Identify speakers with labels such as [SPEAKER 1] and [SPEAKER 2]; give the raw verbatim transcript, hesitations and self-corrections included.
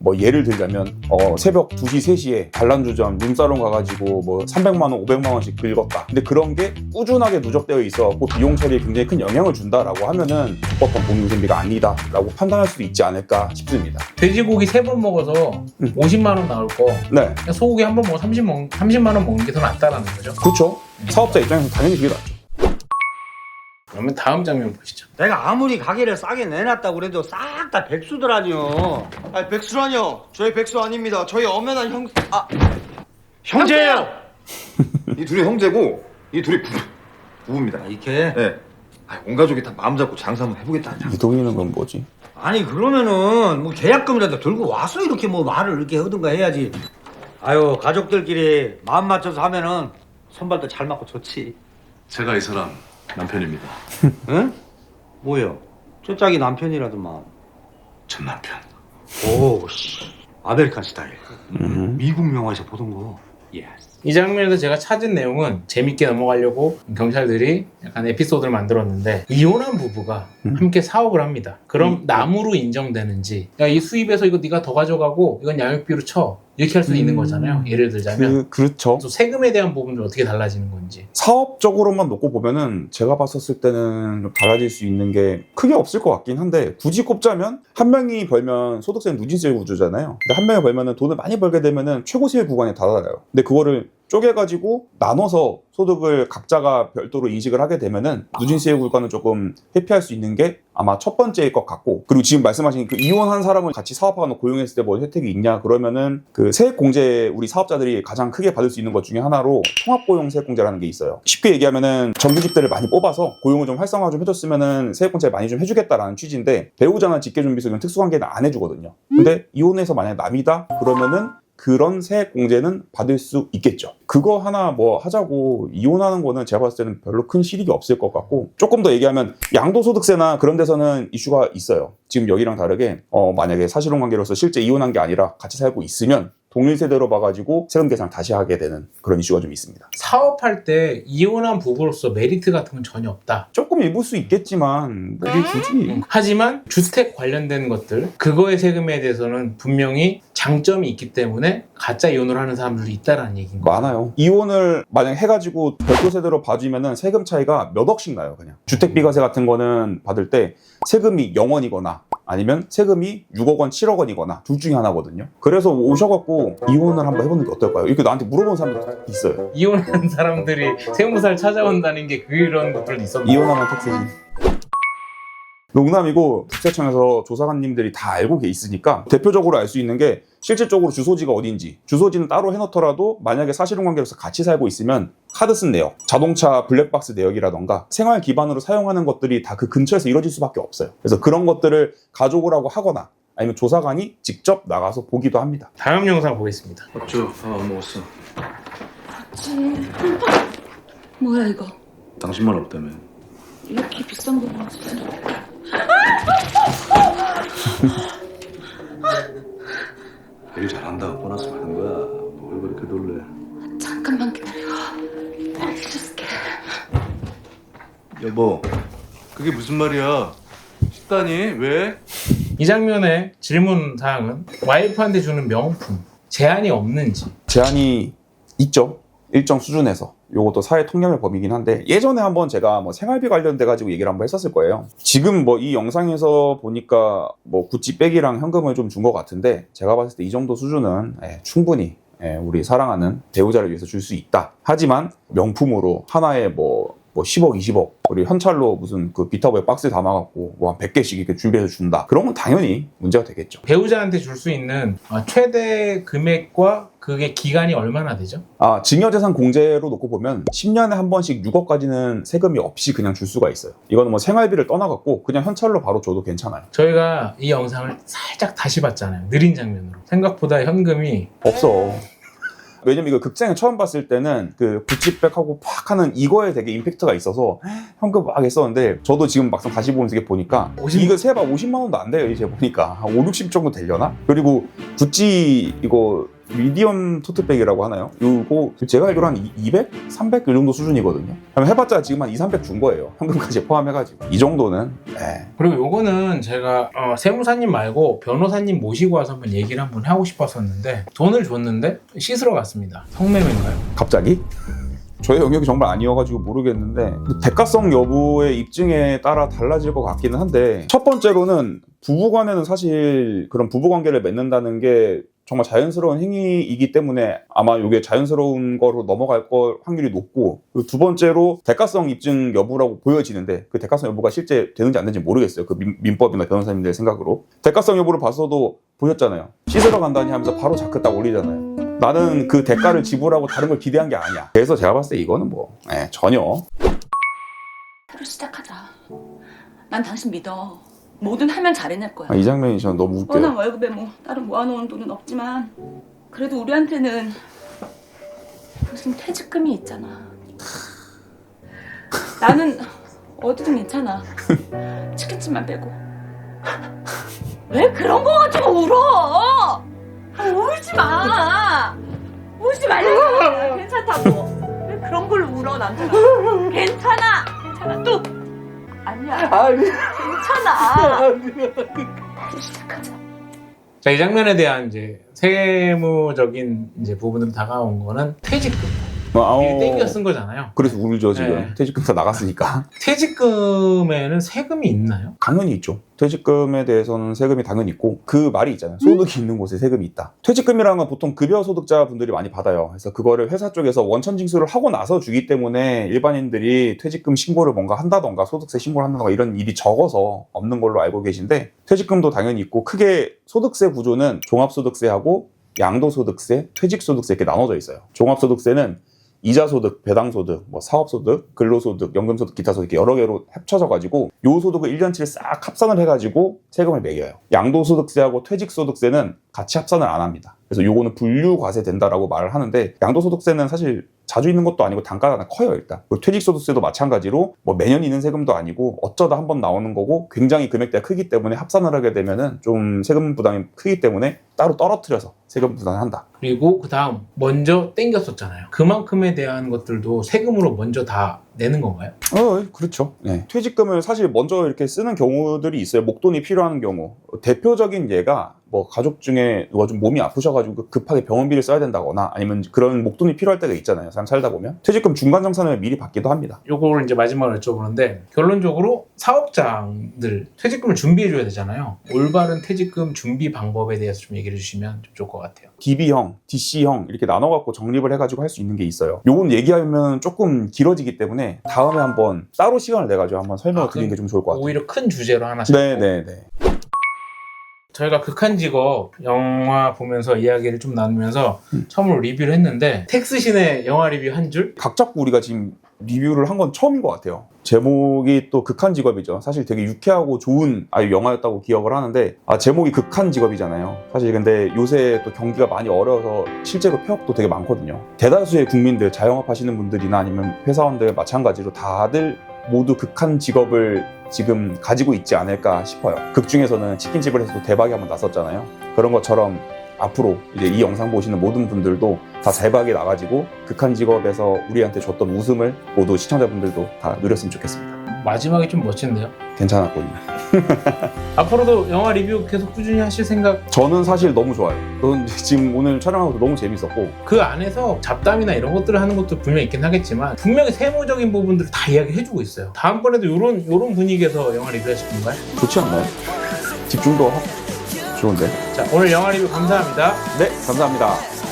[SPEAKER 1] 뭐 예를 들자면 어 새벽 두 시, 세 시에 반란주점 룸사롱 가가지고 뭐 삼백만 원, 오백만 원씩 긁었다. 근데 그런 게 꾸준하게 누적되어 있어갖고 비용 처리에 굉장히 큰 영향을 준다라고 하면은 적법한 복리후생비가 아니다라고 판단할 수도 있지 않을까 싶습니다.
[SPEAKER 2] 돼지고기 세 번 먹어서
[SPEAKER 1] 음.
[SPEAKER 2] 오십만 원 나올 거
[SPEAKER 1] 네,
[SPEAKER 2] 그냥 소고기 한 번 먹어 삼십만 원 먹는 게 더 낫다라는 거죠.
[SPEAKER 1] 그렇죠. 사업자 입장에서 당연히 그게 낫죠.
[SPEAKER 2] 그러면 다음 장면 보시죠.
[SPEAKER 3] 내가 아무리 가게를 싸게 내놨다고 그래도 싹 다 백수들아니요.
[SPEAKER 4] 아니 백수라뇨? 저희 백수 아닙니다. 저희 엄연한 형... 아!
[SPEAKER 3] 형제예요.
[SPEAKER 4] 이 둘이 형제고 이 둘이 부, 부부입니다.
[SPEAKER 3] 아, 이렇게?
[SPEAKER 4] 네. 아, 온 가족이 다 마음 잡고 장사 한번 해보겠다.
[SPEAKER 1] 이동이는 건 뭐지?
[SPEAKER 3] 아니 그러면은 뭐 계약금이라도 들고 와서 이렇게 뭐 말을 이렇게 하든가 해야지. 아유 가족들끼리 마음 맞춰서 하면은 손발도 잘 맞고 좋지.
[SPEAKER 5] 제가 이 사람 남편입니다.
[SPEAKER 3] 응? 뭐요? 저 짝이 남편이라더만.
[SPEAKER 5] 전 남편.
[SPEAKER 3] 오, 씨. 아메리칸 스타일.
[SPEAKER 1] 음.
[SPEAKER 3] 미국 영화에서 보던 거. 예.
[SPEAKER 2] 이 장면에서 제가 찾은 내용은 재밌게 넘어가려고 경찰들이 약간 에피소드를 만들었는데 이혼한 부부가
[SPEAKER 1] 음.
[SPEAKER 2] 함께 사업을 합니다. 그럼
[SPEAKER 1] 음.
[SPEAKER 2] 남으로 인정되는지 야, 이 수입에서 이거 네가 더 가져가고 이건 양육비로 쳐 이렇게 할 수
[SPEAKER 1] 음.
[SPEAKER 2] 있는 거잖아요. 예를 들자면
[SPEAKER 1] 그, 그렇죠.
[SPEAKER 2] 또 세금에 대한 부분도 어떻게 달라지는 건지.
[SPEAKER 1] 사업적으로만 놓고 보면은 제가 봤었을 때는 좀 달라질 수 있는 게 크게 없을 것 같긴 한데 굳이 꼽자면 한 명이 벌면 소득세는 누진세 구조잖아요. 근데 한 명이 벌면은 돈을 많이 벌게 되면은 최고세율 구간에 달아요. 근데 그거를 쪼개가지고 나눠서 소득을 각자가 별도로 인식을 하게 되면은 누진세 구간은 조금 회피할 수 있는 게 아마 첫 번째일 것 같고, 그리고 지금 말씀하신 그 이혼한 사람을 같이 사업하거나 고용했을 때 뭐 혜택이 있냐 그러면은 그 세액공제 우리 사업자들이 가장 크게 받을 수 있는 것 중에 하나로 통합고용 세액공제라는 게 있어요. 쉽게 얘기하면은 정규직들을 많이 뽑아서 고용을 좀 활성화 좀 해줬으면은 세액공제 많이 좀 해주겠다라는 취지인데 배우자나 직계준비소 이런 특수관계는 안 해주거든요. 근데 이혼해서 만약 남이다 그러면은 그런 세액공제는 받을 수 있겠죠. 그거 하나 뭐 하자고 이혼하는 거는 제가 봤을 때는 별로 큰 실익이 없을 것 같고, 조금 더 얘기하면 양도소득세나 그런 데서는 이슈가 있어요. 지금 여기랑 다르게 어 만약에 사실혼관계로서 실제 이혼한 게 아니라 같이 살고 있으면 동일 세대로 봐가지고 세금 계산 다시 하게 되는 그런 이슈가 좀 있습니다.
[SPEAKER 2] 사업할 때 이혼한 부부로서 메리트 같은 건 전혀 없다.
[SPEAKER 1] 조금 입을 수 있겠지만 그게 굳이
[SPEAKER 2] 음. 하지만 주택 관련된 것들 그거의 세금에 대해서는 분명히 장점이 있기 때문에 가짜 이혼을 하는 사람들도 있다라는 얘기인 거예요.
[SPEAKER 1] 많아요. 이혼을 만약 해가지고 별도 세대로 봐주면은 세금 차이가 몇 억씩 나요. 그냥 주택비과세 같은 거는 받을 때 세금이 영 원이거나 아니면 세금이 육억 원, 칠억 원이거나 둘 중에 하나거든요. 그래서 오셔갖고 이혼을 한번 해보는 게 어떨까요? 이렇게 나한테 물어본 사람도 있어요.
[SPEAKER 2] 이혼한 사람들이 세무사를 찾아온다는 게 그런 것들도 있었나?
[SPEAKER 1] 이혼하면 택세지. 농담이고 국세청에서 조사관님들이 다 알고 있으니까 대표적으로 알 수 있는 게 실질적으로 주소지가 어딘지, 주소지는 따로 해놓더라도 만약에 사실혼관계로서 같이 살고 있으면 카드 쓴 내역, 자동차 블랙박스 내역이라던가 생활 기반으로 사용하는 것들이 다 그 근처에서 이루어질 수밖에 없어요. 그래서 그런 것들을 가져오라고 하거나 아니면 조사관이 직접 나가서 보기도 합니다.
[SPEAKER 2] 다음 영상 보겠습니다.
[SPEAKER 5] 어쭈, 아, 안 먹었어.
[SPEAKER 6] 뭐야 이거?
[SPEAKER 5] 당신만 없다며.
[SPEAKER 6] 이렇게 비싼 거 무슨?
[SPEAKER 5] 일 잘한다고 보너스 받은 거야. 뭘 그렇게 놀래.
[SPEAKER 6] 잠깐만 기다려. 해줄게.
[SPEAKER 5] 여보, 그게 무슨 말이야? 식단이 왜?
[SPEAKER 2] 이 장면의 질문 사항은 와이프한테 주는 명품 제한이 없는지.
[SPEAKER 1] 제한이 있죠. 일정 수준에서. 요것도 사회 통념의 범위긴 한데 예전에 한번 제가 뭐 생활비 관련돼 가지고 얘기를 한번 했었을 거예요. 지금 뭐 이 영상에서 보니까 뭐 구찌백이랑 현금을 좀 준 것 같은데 제가 봤을 때 이 정도 수준은 예, 충분히 예, 우리 사랑하는 배우자를 위해서 줄 수 있다. 하지만 명품으로 하나에 뭐 뭐 십억, 이십억, 우리 현찰로 무슨 그 비타고에 박스에 담아갖고 뭐 한 백 개씩 이렇게 준비해서 준다. 그런 건 당연히 문제가 되겠죠.
[SPEAKER 2] 배우자한테 줄 수 있는 최대 금액과 그게 기간이 얼마나 되죠?
[SPEAKER 1] 아, 증여재산 공제로 놓고 보면 십 년에 한 번씩 육억까지는 세금이 없이 그냥 줄 수가 있어요. 이거는 뭐 생활비를 떠나갖고 그냥 현찰로 바로 줘도 괜찮아요.
[SPEAKER 2] 저희가 이 영상을 살짝 다시 봤잖아요. 느린 장면으로. 생각보다 현금이
[SPEAKER 1] 없어. 왜냐면 이거 극장에 처음 봤을 때는 그 구찌백하고 팍 하는 이거에 되게 임팩트가 있어서 현금 막 했었는데 저도 지금 막상 다시 보면서 이게 보니까
[SPEAKER 2] 오십
[SPEAKER 1] 이거 세봐 오십만 원도 안 돼요. 이제 보니까 한 오륙십 정도 되려나? 그리고 구찌 이거 미디엄 토트백이라고 하나요? 요거 제가 알기로 한 이백? 삼백? 이 정도 수준이거든요. 그럼 해봤자 지금 한 이, 삼백 준 거예요. 현금까지 포함해가지고. 이 정도는 에.
[SPEAKER 2] 그리고 요거는 제가 어, 세무사님 말고 변호사님 모시고 와서 한번 얘기를 한번 하고 싶었었는데 돈을 줬는데 씻으러 갔습니다. 성매매인가요?
[SPEAKER 1] 갑자기? 저의 영역이 정말 아니어가지고 모르겠는데 대가성 여부의 입증에 따라 달라질 것 같기는 한데 첫 번째로는 부부간에는 사실 그런 부부관계를 맺는다는 게 정말 자연스러운 행위이기 때문에 아마 이게 자연스러운 거로 넘어갈 걸 확률이 높고 그리고 두 번째로 대가성 입증 여부라고 보여지는데 그 대가성 여부가 실제 되는지 안 되는지 모르겠어요. 그 민, 민법이나 변호사님들 생각으로 대가성 여부를 봐서도 보셨잖아요. 씻으러 간다니 하면서 바로 자크 딱 올리잖아요. 나는 그 대가를 지불하고 다른 걸 기대한 게 아니야. 그래서 제가 봤을 때 이거는 뭐 에, 전혀
[SPEAKER 6] 새로 시작하자. 난 당신 믿어. 뭐든 하면 잘해낼 거야.
[SPEAKER 1] 아, 이 장면이 저는 너무
[SPEAKER 6] 뻔한
[SPEAKER 1] 웃겨요.
[SPEAKER 6] 월급에 뭐 따로 모아놓은 돈은 없지만 그래도 우리한테는 무슨 퇴직금이 있잖아. 나는 어디든 괜찮아. 치킨집만 빼고. 왜 그런 거 가지고 울어? 아, 울지 마. 울지 말라고. 괜찮다고. 왜 그런 걸 울어 남자가? 괜찮아. 괜찮아. 또 아니야. 괜찮아. 시작하자.
[SPEAKER 2] 자, 이 장면에 대한 이제 세무적인 이제 부분으로 다가온 거는 퇴직금.
[SPEAKER 1] 아,
[SPEAKER 2] 이게
[SPEAKER 1] 어,
[SPEAKER 2] 땡겨 쓴 거잖아요.
[SPEAKER 1] 그래서 울죠 지금.
[SPEAKER 2] 네.
[SPEAKER 1] 퇴직금 다 나갔으니까.
[SPEAKER 2] 퇴직금에는 세금이 있나요?
[SPEAKER 1] 당연히 있죠. 퇴직금에 대해서는 세금이 당연히 있고 그 말이 있잖아요. 소득이 있는 곳에 세금이 있다. 퇴직금이라는 건 보통 급여 소득자분들이 많이 받아요. 그래서 그거를 회사 쪽에서 원천 징수를 하고 나서 주기 때문에 일반인들이 퇴직금 신고를 뭔가 한다던가 소득세 신고를 한다던가 이런 일이 적어서 없는 걸로 알고 계신데 퇴직금도 당연히 있고 크게 소득세 구조는 종합소득세하고 양도소득세, 퇴직소득세 이렇게 나눠져 있어요. 종합소득세는 이자소득, 배당소득, 뭐 사업소득, 근로소득, 연금소득, 기타소득 이렇게 여러 개로 합쳐져가지고 요 소득을 일 년치를 싹 합산을 해가지고 세금을 매겨요. 양도소득세하고 퇴직소득세는 같이 합산을 안 합니다. 그래서 요거는 분류과세 된다라고 말을 하는데 양도소득세는 사실 자주 있는 것도 아니고 단가가 커요 일단. 그리고 퇴직소득세도 마찬가지로 뭐 매년 있는 세금도 아니고 어쩌다 한번 나오는 거고 굉장히 금액대가 크기 때문에 합산을 하게 되면은 좀 세금 부담이 크기 때문에 따로 떨어뜨려서 세금 부담을 한다.
[SPEAKER 2] 그리고 그 다음 먼저 땡겼었잖아요. 그만큼에 대한 것들도 세금으로 먼저 다 내는 건가요?
[SPEAKER 1] 어, 그렇죠. 네. 퇴직금을 사실 먼저 이렇게 쓰는 경우들이 있어요. 목돈이 필요한 경우. 대표적인 예가 뭐 가족 중에 누가 좀 몸이 아프셔가지고 급하게 병원비를 써야 된다거나 아니면 그런 목돈이 필요할 때가 있잖아요. 사람 살다 보면. 퇴직금 중간정산을 미리 받기도 합니다.
[SPEAKER 2] 요거를 이제 마지막으로 여쭤보는데 결론적으로 사업장들 퇴직금을 준비해줘야 되잖아요. 올바른 퇴직금 준비 방법에 대해서 좀 얘기를 해주시면 좀 좋을 것 같아요.
[SPEAKER 1] 디비형, 디씨형 이렇게 나눠갖고 정립을 해가지고 할 수 있는 게 있어요. 요건 얘기하면 조금 길어지기 때문에 다음에 한번 따로 시간을 내가지고 한번 설명을
[SPEAKER 2] 아,
[SPEAKER 1] 드리는 게 좀 좋을 것 같아요.
[SPEAKER 2] 오히려 큰 주제로 하나씩.
[SPEAKER 1] 네네네.
[SPEAKER 2] 저희가 극한 직업 영화 보면서 이야기를 좀 나누면서
[SPEAKER 1] 음.
[SPEAKER 2] 처음으로 리뷰를 했는데 텍스신의 영화 리뷰 한 줄?
[SPEAKER 1] 각 잡고 우리가 지금 리뷰를 한 건 처음인 것 같아요. 제목이 또 극한 직업이죠. 사실 되게 유쾌하고 좋은 아유 영화였다고 기억을 하는데 아 제목이 극한 직업이잖아요. 사실 근데 요새 또 경기가 많이 어려워서 실제로 폐업도 되게 많거든요. 대다수의 국민들 자영업 하시는 분들이나 아니면 회사원들 마찬가지로 다들 모두 극한 직업을 지금 가지고 있지 않을까 싶어요. 극 중에서는 치킨집을 해서 대박이 한번 났었잖아요. 그런 것처럼 앞으로 이제 이 영상 보시는 모든 분들도 다 대박이 나가지고 극한 직업에서 우리한테 줬던 웃음을 모두 시청자분들도 다 누렸으면 좋겠습니다.
[SPEAKER 2] 마지막이 좀 멋진데요?
[SPEAKER 1] 괜찮았거든요.
[SPEAKER 2] 앞으로도 영화 리뷰 계속 꾸준히 하실 생각?
[SPEAKER 1] 저는 사실 너무 좋아요. 저는 지금 오늘 촬영하고 너무 재밌었고
[SPEAKER 2] 그 안에서 잡담이나 이런 것들을 하는 것도 분명히 있긴 하겠지만 분명히 세무적인 부분들을 다 이야기해주고 있어요. 다음번에도 이런 이런 분위기에서 영화 리뷰 하실 건가요?
[SPEAKER 1] 좋지 않나요? 집중도 하고 좋은데.
[SPEAKER 2] 자, 오늘 영화 리뷰 감사합니다.
[SPEAKER 1] 네, 감사합니다.